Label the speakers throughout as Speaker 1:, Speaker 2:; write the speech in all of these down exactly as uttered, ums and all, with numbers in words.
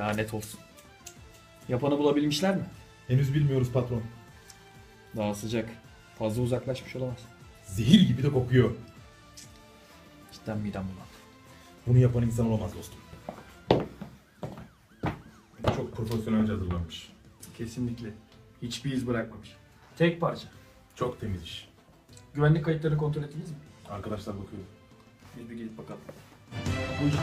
Speaker 1: Lanet olsun. Yapanı bulabilmişler mi?
Speaker 2: Henüz bilmiyoruz patron.
Speaker 1: Daha sıcak. Fazla uzaklaşmış olamaz.
Speaker 2: Zehir gibi de kokuyor.
Speaker 1: Cidden midem bulandı.
Speaker 2: Bunu yapan insan olamaz dostum. Çok profesyonelce hazırlanmış.
Speaker 1: Kesinlikle. Hiçbir iz bırakmamış. Tek parça.
Speaker 2: Çok temiz iş.
Speaker 1: Güvenlik kayıtlarını kontrol ettiniz mi?
Speaker 2: Arkadaşlar bakıyor.
Speaker 1: Biz bir gidip bakalım. Buyurun.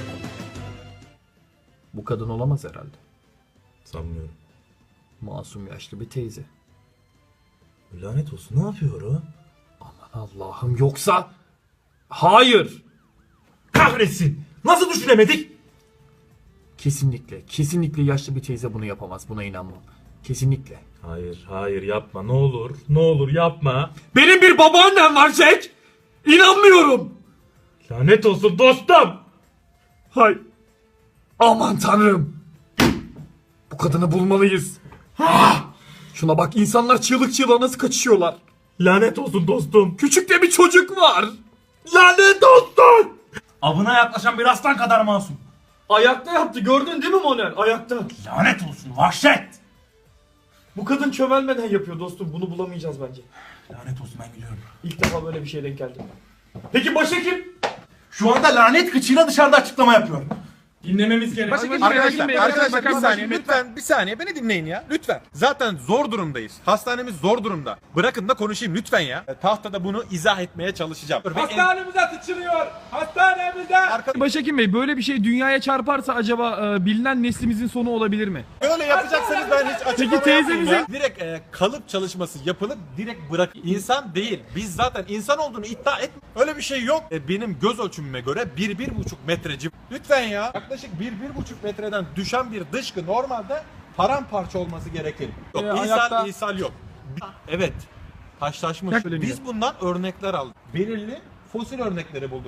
Speaker 1: Bu kadın olamaz herhalde.
Speaker 2: Sanmıyorum.
Speaker 1: Masum yaşlı bir teyze.
Speaker 2: Lanet olsun, ne yapıyor o?
Speaker 1: Aman Allah'ım, yoksa... Hayır!
Speaker 2: Kahretsin! Nasıl düşünemedik?
Speaker 1: Kesinlikle, kesinlikle yaşlı bir teyze bunu yapamaz. Buna inanmam. Kesinlikle.
Speaker 2: Hayır, hayır yapma, ne olur. Ne olur yapma.
Speaker 1: Benim bir babaannem var Jack! İnanmıyorum!
Speaker 2: Lanet olsun dostum!
Speaker 1: Hay! Aman tanrım! Bu kadını bulmalıyız. Şuna bak, insanlar çığlık çığlığa nasıl kaçışıyorlar.
Speaker 2: Lanet olsun dostum!
Speaker 1: Küçük de bir çocuk var.
Speaker 2: Lanet olsun! Avına yaklaşan bir aslan kadar masum.
Speaker 1: Ayakta yaptı, gördün değil mi Moner? Ayakta.
Speaker 2: Lanet olsun, vahşet!
Speaker 1: Bu kadın çömelmeden yapıyor dostum. Bunu bulamayacağız bence.
Speaker 2: Lanet olsun, ben gidiyorum.
Speaker 1: İlk defa böyle bir şeye denk geldim. Peki başhekim?
Speaker 2: Şu anda lanet kıçıyla dışarıda açıklama yapıyor.
Speaker 1: Dinlememiz gerek.
Speaker 3: Arkadaşlar, arkadaşlar bir saniye lütfen bir saniye beni dinleyin ya lütfen. Zaten zor durumdayız. Hastanemiz zor durumda. Bırakın da konuşayım lütfen ya. Tahtada bunu izah etmeye çalışacağım.
Speaker 4: Hastanemize sıçrıyor. Hastanemize.
Speaker 3: Arka-
Speaker 4: Başhekim Bey, böyle bir şey dünyaya çarparsa acaba e, bilinen neslimizin sonu olabilir mi?
Speaker 3: Böyle yapacaksanız ben hiç açıklama
Speaker 4: Peki
Speaker 3: yapmayayım
Speaker 4: teyzemize-
Speaker 3: ya. Direkt e, kalıp çalışması yapılıp direkt bırak. İnsan değil. Biz zaten insan olduğunu iddia et. Öyle bir şey yok. E, benim göz ölçümüme göre bir bir buçuk metreci. Lütfen ya. Yaklaşık bir bir buçuk metreden düşen bir dışkı normalde paramparça olması gerekir. Yok,
Speaker 4: E,
Speaker 3: ishal,
Speaker 4: ayakta-
Speaker 3: ishal yok. Evet. Taşlaşmış.
Speaker 4: Söyleniyor.
Speaker 3: Biz bundan örnekler aldık. Belirli fosil örnekleri bulduk.